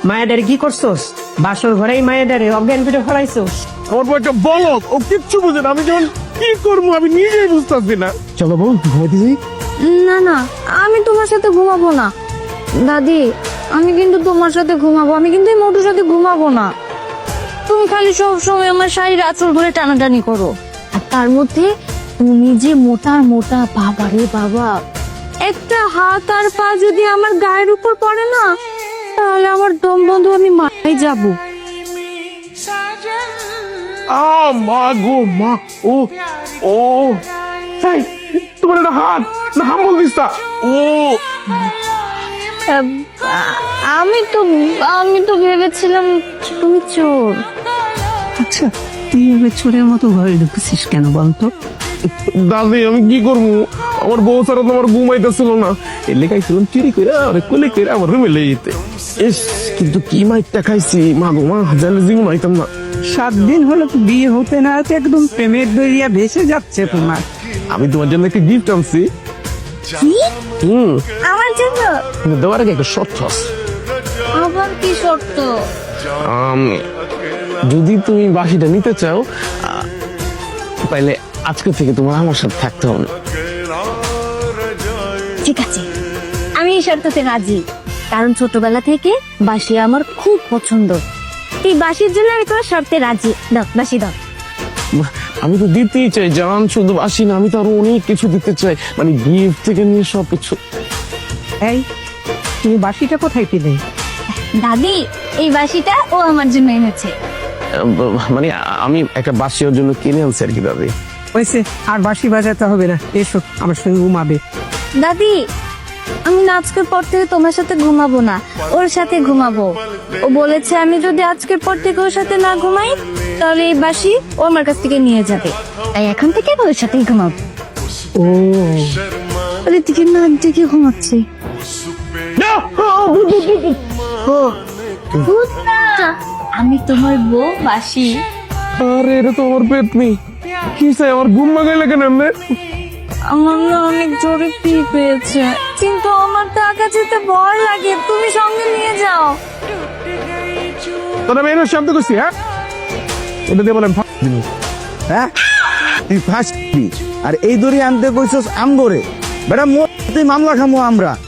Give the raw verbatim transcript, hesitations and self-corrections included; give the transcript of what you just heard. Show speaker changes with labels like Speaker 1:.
Speaker 1: মায়াডারে কি করছোস? বাসর ঘরেই মায়াডারে অজ্ঞান করে ফেলাইছোস।
Speaker 2: আমার বউ একটা বলদ, ও কিচ্ছু বুঝে না। আমি যখন কি করবো আমি নিজেই বুঝতেছি না। চলো বউ ঘুমাইতে যাই।
Speaker 3: না না, আমি তোমার সাথে ঘুমাবো না দাদি। আমি কিন্তু তোমার সাথে ঘুমাবো, আমি কিন্তু এই মোটুর সাথে ঘুমাবো না। তুমি খালি সব সময় আমার শাড়ির আঁচল ধরে টানাটানি করো, আর তার মধ্যে তুমি যে মোটা মোটা, বাবা রে বাবা, একটা হাত আর পা যদি আমার গায়ের উপর পড়ে না, তাহলে আমার দম বন্ধ, আমি মারাই যাবো।
Speaker 2: আ মা গো মা, ও ও তাই তোমার একটা হাত না হাম বলতিস তা? ও
Speaker 3: আহ, আমি তো আমি তো ভেবেছিলাম তুমি চোর।
Speaker 1: আচ্ছা, তুই এভাবে চোরের মতো ঘরে ঢুকেছিস কেন বলতো?
Speaker 2: দাদি আমি কি করবো, আমার বউ ছাড়া তো আমার ঘুমাইতেছিল না। এর লেখাইছিলাম চুরি করে আরে কোলে করে আমার রুমে লেগে যেতে। ইস কিন্তু কি মাইটটা খাইছি, মা গো মা, জানলে জীবন আইতাম না।
Speaker 1: সাত দিন হলো তো বিয়ে হতে না হতে একদম প্রেমের দরিয়া ভেসে যাচ্ছে তোমার।
Speaker 2: আমি তোমার জন্য একটা গিফট আনছি।
Speaker 3: কি?
Speaker 2: হুম,
Speaker 3: আমার জন্য?
Speaker 2: কিন্তু দেওয়ার আগে একটা শর্ত আছে।
Speaker 3: আবার কি শর্ত?
Speaker 2: আম, যদি তুমি বাসিটা নিতে চাও আহ, তাহলে আজকে থেকে তোমার আমার সাথে থাকতে হবে।
Speaker 3: ঠিক আছে, আমি এই শর্ততে রাজি, কারণ ছোটবেলা থেকে বাঁশি আমার খুব পছন্দ। এই বাঁশির জন্য আমি তোমার শর্তে রাজি। দাও বাঁশি দাও।
Speaker 2: বাহ, আমি তো দিতেই চাই জান, শুধু বাসি না, আমি তো আরো অনেক কিছু দিতে চাই, মানে গিফট থেকে নিয়ে সবকিছু।
Speaker 1: এই, তুমি বাসিটা কোথায় পেলে?
Speaker 3: দাদি, এই বাঁশিটা ও আমার জন্য এনেছে।
Speaker 2: আহ, মানে আমি একটা বাসি ওর জন্য কিনে আনছি আর কি দাদি।
Speaker 1: হয়েছে, আর বাঁশি বাজাতে হবে না, এসো আমার সঙ্গে ঘুমাবে।
Speaker 3: দাদি, আমি না আজকের পর থেকে তোমার সাথে ঘুমাবো না, ওর সাথে ঘুমাবো। ও বলেছে আমি যদি আজকের পর থেকে ওর সাথে না ঘুমাই, তাহলে এই বাঁশি ও আমার কাছ থেকে নিয়ে যাবে। তাই এখন থেকে আমি ওর সাথেই ঘুমাবো।
Speaker 1: ও,
Speaker 3: ওর দিকে না দিকে ঘুমাচ্ছে। ভূত না, আমি তোমার বউ বাঁশি।
Speaker 2: আরে এটা তো আমার পেট নেই, কি চাই আমার ঘুম মাগাই লাগে না?
Speaker 3: আমার না অনেক জোরে পি পেয়েছে, কিন্তু আমার তো একা যেতে ভয় লাগে, তুমি সঙ্গে নিয়ে যাও।
Speaker 2: তোরা মেয়ের শব্দ করছি, হ্যাঁ ওটা দিয়ে বলেন
Speaker 4: হ্যাঁ তুই ফাঁসবি, আর এই দড়ি আনতে কইছস আম ধরে বেটা, মোর মামলা খামো আমরা।